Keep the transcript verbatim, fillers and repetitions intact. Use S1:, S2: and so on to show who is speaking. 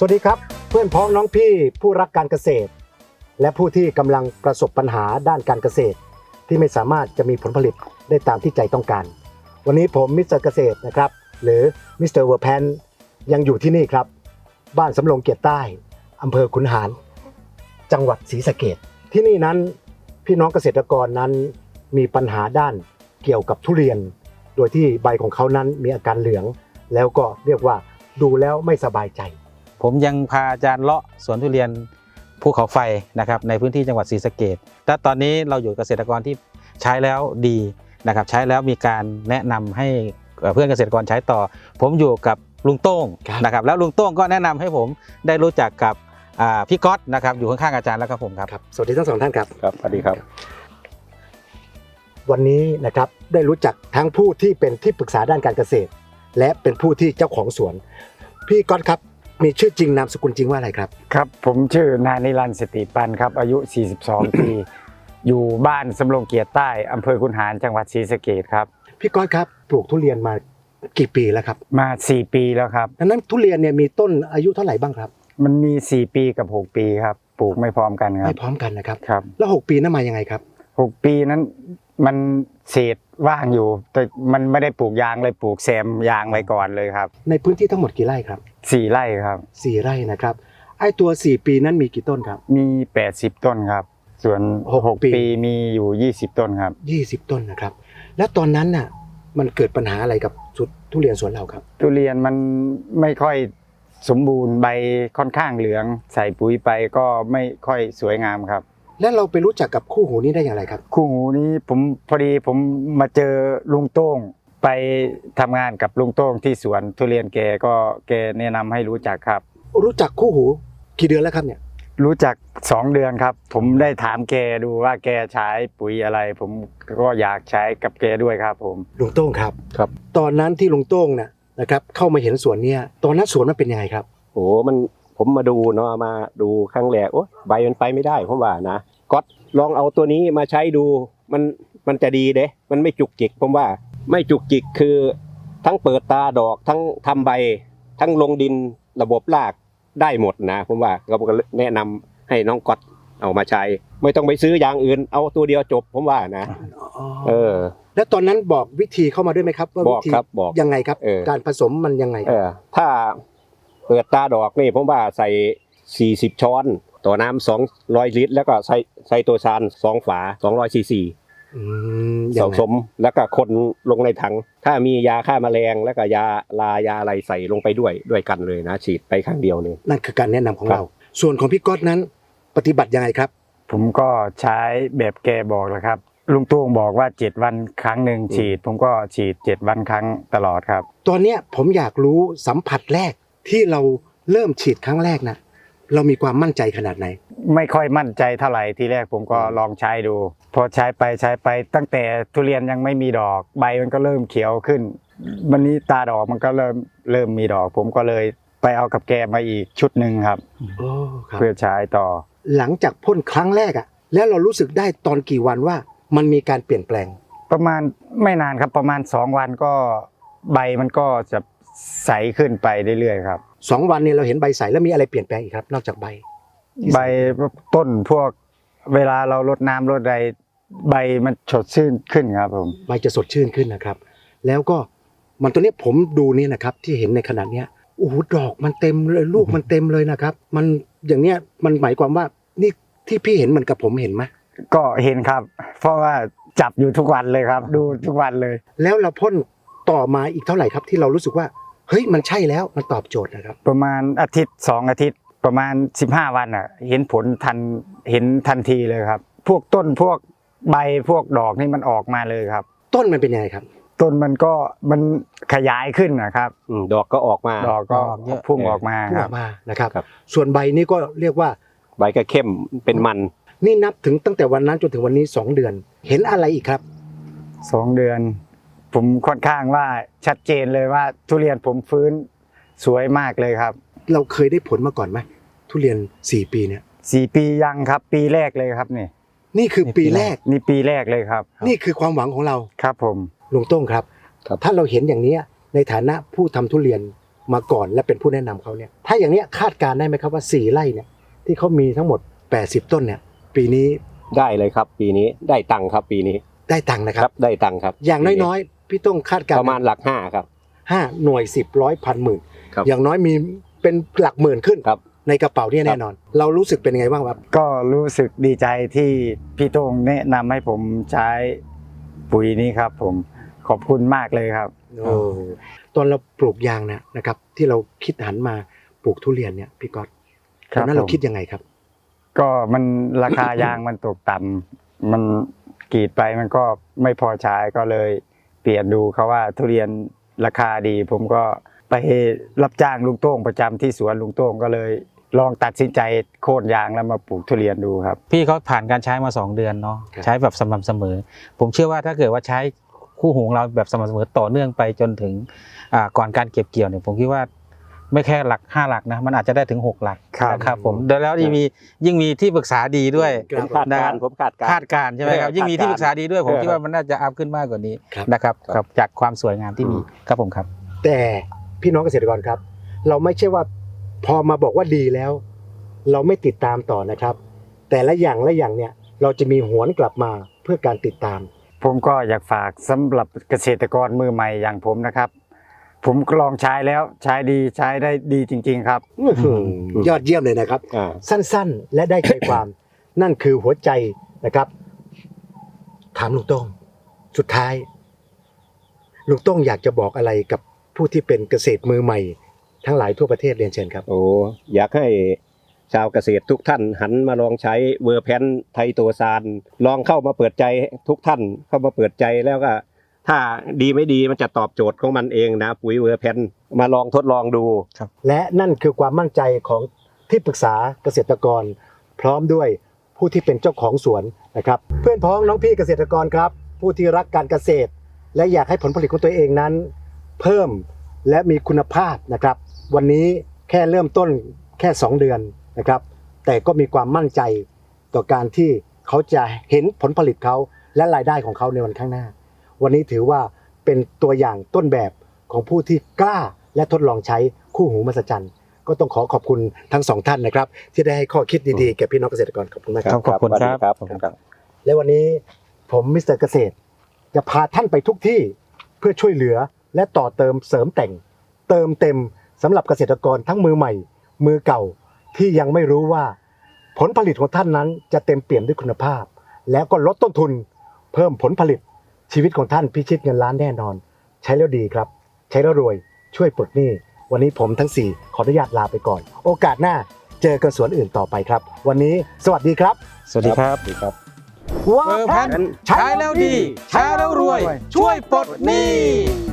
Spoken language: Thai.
S1: สวัสดีครับเพื่อนพ้องน้องพี่ผู้รักการเกษตรและผู้ที่กำลังประสบปัญหาด้านการเกษตรที่ไม่สามารถจะมีผลผลิตได้ตามที่ใจต้องการวันนี้ผมมิสเตอร์เกษตรนะครับหรือมิสเตอร์เวอร์แพนยังอยู่ที่นี่ครับบ้านสำโรงเกียรติใต้อำเภอขุนหารจังหวัดศรีสะเกษที่นี่นั้นพี่น้องเกษตรกรนั้นมีปัญหาด้านเกี่ยวกับทุเรียนโดยที่ใบของเขานั้นมีอาการเหลืองแล้วก็เรียกว่าดูแล้วไม่สบายใจ
S2: ผมยังพาอาจารย์เลาะสวนทุเรียนภูเขาไฟนะครับในพื้นที่จังหวัดศรีสะเกษและตอนนี้เราอยู่เกษตรกรที่ใช้แล้วดีนะครับใช้แล้วมีการแนะนำให้เพื่อนเกษตรกรใช้ต่อผมอยู่กับลุงโต้งนะครับแล้วลุงโต้งก็แนะนำให้ผมได้รู้จักกับพี่ก๊อตนะครับอยู่ข้างๆอาจารย์แล้วครับผมครับ
S1: สวัสดีทั้งสองท่านครับ
S3: ครับสวัสดีครับ
S1: วันนี้นะครับได้รู้จักทั้งผู้ที่เป็นที่ปรึกษาด้านการเกษตรและเป็นผู้ที่เจ้าของสวนพี่ก๊อตครับมีชื่อจริงนามสกุลจริงว่าอะไรครับ
S4: ครับผมชื่อนายนิรันดร์สติปันครับอายุสี่สิบสอง ปีอยู่บ้านสำโรงเกียรติใต้อำเภอขุนหารจังหวัดศรีสะเกษครับ
S1: พี่ก๊อตครับปลูกทุเรียนมากี่ปีแล้วครับ
S4: มาสี่ปีแล้วครับ
S1: ดังนั้นทุเรียนเนี่ยมีต้นอายุเท่าไหร่บ้างครับ
S4: มันมีสี่ปีกับหกปีครับปลูกไม่พร้อมกันครับ
S1: ไม่พร้อมกันนะครับ
S4: ครับ
S1: แล้วหกปีนั้นมายังไงครับ
S4: หกปีนั้นมันเศษว่างอยู่แต่มันไม่ได้ปลูกยางเลยปลูกแซมยางไว้ก่อนเลยครับ
S1: ในพื้นที่ทั้งหมดกี่ไร่ครับ
S4: สี่ไร่ครับ
S1: สี่ไร่นะครับไอ้ตัวสี่ปีนั้นมีกี่ต้นครับ
S4: มีแปดสิบต้นครับส่วนหกปีมีอยู่ยี่สิบต้นครับ
S1: ยี่สิบต้นนะครับแล้วตอนนั้นน่ะมันเกิดปัญหาอะไรกับทุเรียนสวนเราครับ
S4: ทุเรียนมันไม่ค่อยสมบูรณ์ใบค่อนข้างเหลืองใส่ปุ๋ยไปก็ไม่ค่อยสวยงามครับ
S1: แล้วเราไปรู้จักกับคู่หูนี้ได้อย่างไรครับ
S4: คู่หูนี้ผมพอดีผมมาเจอลุงโต้งไปทำงานกับลุงโต้งที่สวนทุเรียนแกก็แกแนะนำให้รู้จักครับ
S1: รู้จักคู่หูกี่เดือนแล้วครับเนี่ย
S4: รู้จักสองเดือนครับผมได้ถามแกดูว่าแกใช้ปุ๋ยอะไรผมก็อยากใช้กับแกด้วยครับผม
S1: ลุงโต้งครับครับตอนนั้นที่ลุงโต้งเนี่ยนะครับเข้ามาเห็นสวนเนี่ยตอนนั้นสวนมันเป็นยังไงครับ
S3: โอ้มันผมมาดูเนาะมาดูครั้งแรกโอ้ใบมันไปไม่ได้ผมว่านะก๊อตลองเอาตัวนี้มาใช้ดูมันมันจะดีเด้มันไม่จุกจิกผมว่าไม่จุกจิกคือทั้งเปิดตาดอกทั้งทำใบทั้งลงดินระบบรากได้หมดนะผมว่าเราก็แนะนำให้น้องก๊อตเอามาใช้ไม่ต้องไปซื้ออย่างอื่นเอาตัวเดียวจบผมว่านะเออ
S1: แล้วตอนนั้นบอกวิธีเข้ามาด้วยไหมครับว่าวิธียังไงครับการผสมมันยังไง
S3: เออถ้าเปิดตาดอกนี่ผมว่าใส่สี่สิบช้อนต่อน้ำสองร้อยลิตรแล้วก็ใส่ใส่ตัวซานสองฝาสองร้อยซีซีผสมแล้วก็คนลงในถังถ้ามียาฆ่าแมลงแล้วก็ยาลายาอะไรใส่ลงไปด้วยด้วยกันเลยนะฉีดไปครั้งเดียวเลย
S1: นั่นคือการแนะนำของเราส่วนของพี่ก๊อตนั้นปฏิบัติยังไงครับ
S4: ผมก็ใช้แบบแกบอกแหละครับลุงตุ้งบอกว่าเจ็ดวันครั้งหนึ่งฉีดผมก็ฉีดเจ็ดวันครั้งตลอดครับ
S1: ตอนนี้ผมอยากรู้สัมผัสแรกที่เราเริ่มฉีดครั้งแรกนะเรามีความมั่นใจขนาดไหน
S4: ไม่ค่อยมั่นใจเท่าไหร่ทีแรกผมก็ลองใช้ดูพอใช้ไปใช้ไปตั้งแต่ทุเรียนยังไม่มีดอกใบมันก็เริ่มเขียวขึ้นวันนี้ตาดอกมันก็เริ่มเริ่มมีดอกผมก็เลยไปเอากับแกมาอีกชุดหนึ่งครับเพื่อใช้ต่อ
S1: หลังจากพ่นครั้งแรกอ่ะแล้วเรารู้สึกได้ตอนกี่วันว่ามันมีการเปลี่ยนแปลง
S4: ประมาณไม่นานครับประมาณสองวันก็ใบมันก็จะใสขึ้นไปเรื่อยๆครับ
S1: สองวันนี้เราเห็นใบใสแล้วมีอะไรเปลี่ยนแปลงอีกครับนอกจากใบ
S4: ใบต้นพวกเวลาเรารดน้ำรดใดใบมันสดชื่นขึ้นครับผม
S1: ใบจะสดชื่นขึ้นนะครับแล้วก็มันตัวนี้ผมดูนี่นะครับที่เห็นในขนาดเนี้ยโอ้โหดอกมันเต็มเลยลูกมันเต็มเลยนะครับมันอย่างเนี้ยมันหมายความว่านี่ที่พี่เห็นมันกับผมเห็นไหม
S4: ก็เห็นครับเพราะว่าจับอยู่ทุกวันเลยครับดูทุกวันเลย
S1: แล้วเราพ่นต่อมาอีกเท่าไหร่ครับที่เรารู้สึกว่าเฮ้ยมันใช่แล้วมันตอบโจทย์นะครับ
S4: ประมาณอาทิตย์สองอาทิตย์ประมาณสิบห้าวันอ่ะเห็นผลทันเห็นทันทีเลยครับพวกต้นพวกใบพวกดอกนี่มันออกมาเลยครับ
S1: ต้นมันเป็นยังไงครับ
S4: ต้นมันก็มันขยายขึ้นนะครับ
S3: ดอกก็ออกมา
S4: ดอกก็พุ่งออกมา
S1: ครับนะครับส่วนใบนี่ก็เรียกว่า
S3: ใบก็เข้มเป็นมัน
S1: นี่นับถึงตั้งแต่วันนั้นจนถึงวันนี้สองเดือนเห็นอะไรอีกครับ
S4: สองเดือนผมค่อนข้างว่าชัดเจนเลยว่าทุเรียนผมฟื้นสวยมากเลยครับ
S1: เราเคยได้ผลมาก่อนไหมทุเรียนสี่ปีเนี่ย
S4: สี่ปียังครับปีแรกเลยครับนี่
S1: นี่คือปีแรก
S4: นี่ปีแรกเลยครับ
S1: นี่คือความหวังของเรา
S4: ครับผม
S1: ลุงโต้งครับถ้าเราเห็นอย่างนี้ในฐานะผู้ทำทุเรียนมาก่อนและเป็นผู้แนะนำเขาเนี่ยถ้าอย่างเนี้ยคาดการณ์ได้ไหมครับว่าสี่ไร่เนี่ยที่เขามีทั้งหมดแปดสิบต้นเนี่ยปีนี้
S3: ได้เลยครับ ปีนี้ได้ตังค์ครับปีนี้
S1: ได้ตังค์นะค
S3: ค
S1: รั
S3: รับ บได้ตังค์ครับ
S1: อย่างน้อยๆพี่ต้องคาดการ
S3: ป
S1: ณ์
S3: ระมาณหลักห้าครับ
S1: ห้าหน่วยสิบร้อยพันหมื่น
S3: ครับ
S1: อย่างน้อยมีเป็นหลักหมื่นขึ้น
S3: ครับ
S1: ในกระเป๋าเนี่ยแน่นอน เรารู้สึกเป็นยังไงบ้างครับ
S4: ก็รู้สึกดีใจที่พี่โต้งแนะนำให้ผมใช้ปุ๋ยนี้ครับผมขอบคุณมากเลยครับ
S1: โอ้ตอนเราปลูกยางนะนะครับ ที่เราคิดหันมาปลูกทุเรียนเนี่ยพี่ก๊อต
S4: ค
S1: ต
S4: รั
S1: อบ นนั้นเรา
S4: ผม
S1: คิดยังไงครับ
S4: ก็มันราคายางมันตกต่ำมันกรีดไปมันก็ไม่พอใช้ก็เลยเปลี่ยนดูเขาว่าทุเรียนราคาดี ผมก็ไปรับจ้างลุงโต้งประจำที่สวนลุงโต้งก็เลยลองตัดสินใจโค่นยางแล้วมาปลูกทุเรียนดูครับ
S2: พี่เขาผ่านการใช้มาสองเดือนเนาะ
S1: ครับ
S2: ใช้แบบสม่ำเสมอ ผมเชื่อว่าถ้าเกิดว่าใช้คู่หูของเราแบบสม่ำเสมอต่อเนื่องไปจนถึงอ่าก่อนการเก็บเกี่ยวเนี่ยผมคิดว่าไม่แค่หลักห้าหลักนะมันอาจจะได้ถึงหกหลัก
S4: ครับ
S2: นะครับผมแล้วยิ่งมียิ่งมีที่ปรึกษาดีด้วย
S1: ค
S3: ผมคาดการณ์ผมคาดการณ์
S2: คาดการณ์ใช่ไหมครับ
S3: เออ
S2: ยิ่งมีที่ปรึกษาดีด้วยผม
S3: เออ
S2: คิดว่ามันน่าจะอัพขึ้นมากกว่านี้
S1: ครับ
S2: นะครับ
S3: ครับ
S2: ครับจากความสวยงามที่มีครับผมครับ
S1: แต่พี่น้องเกษตรกรครับ เราไม่ใช่ว่าพอมาบอกว่าดีแล้ว เราไม่ติดตามต่อนะครับ แต่ละอย่างละอย่างเนี่ยเราจะมีหวนกลับมาเพื่อการติดตาม
S4: ผมก็อยากฝากสำหรับเกษตรกรมือใหม่อย่างผมนะครับ ผมก็ลองใช้แล้วใช้ดีใช้ได้ดีจริง ๆ ครับ
S1: อื้อหือยอดเยี่ยมเลยนะครับ
S3: อ่า
S1: สั้นๆ และได้ใจความ นั่นคือหัวใจนะครับ ถามลุงโต้งสุดท้ายลุงโต้งอยากจะบอกอะไรกับผู้ที่เป็นเกษตรมือใหม่ ทั้งหลายทั่วประเทศเรียนเชิญครับ
S3: โอ้อยากให้ชาวเกษตรทุกท่านหันมาลองใช้เวอร์แพนไทโตซานลองเข้ามาเปิดใจทุกท่านเข้ามาเปิดใจแล้วก็ ถ้าดีไม่ดีมันจะตอบโจทย์ของมันเองนะปุ๋ยเวอร์แพนมาลองทดลองดู
S1: และนั่นคือความมั่นใจของที่ปรึกษาเกษตรกร พร้อมด้วยผู้ที่เป็นเจ้าของสวนนะครับ เพื่อนพ้องน้องพี่เกษตรกรครับ ผู้ที่รักการเกษตร และอยากให้ผลผลิตของตัวเองนั้น เพิ่มและมีคุณภาพนะครับ วันนี้แค่เริ่มต้นแค่สองเดือนนะครับ แต่ก็มีความมั่นใจต่อการที่เขาจะเห็นผลผลิตเขาและรายได้ของเขาในวันข้างหน้า วันนี้ถือว่าเป็นตัวอย่างต้นแบบของผู้ที่กล้าและทดลองใช้คู่หูมหัศจรรย์ก็ต้องขอขอบคุณทั้งสองท่านนะครับ ที่ได้ให้ข้อคิดดีๆแก่พี่น้องเกษตรกรขอบคุณมากครับ
S2: ขอบคุณ
S3: สวัสดี
S2: ครับ
S3: ขอบคุณครับ
S1: และวันนี้ผมมิสเตอร์เกษตร จะพาท่านไปทุกที่เพื่อช่วยเหลือและต่อเติมเสริมแต่ง เติมเต็มสำหรับเกษตรกรทั้งมือใหม่ มือเก่าที่ยังไม่รู้ว่า ผลผลิตของท่านนั้นจะเต็มเปี่ยมด้วยคุณภาพ แล้วก็ลดต้นทุน เพิ่มผลผลิตชีวิตของท่านพิชิตเงินล้านแน่นอน ใช้แล้วดีครับ ใช้แล้วรวยช่วยปลดหนี้วันนี้ผมทั้งสี่ขออนุญาตลาไปก่อน โอกาสหน้าเจอกันสวนอื่นต่อไปครับ วันนี้สวัสดีครับ
S2: สวัสดีครับ
S3: สวัสดีครับ
S1: ว้า
S2: เวอร์
S1: แพ
S2: แพ
S1: น
S2: นใช้แล้วดี ใช้แล้วรวย ช่วยปลดหนี้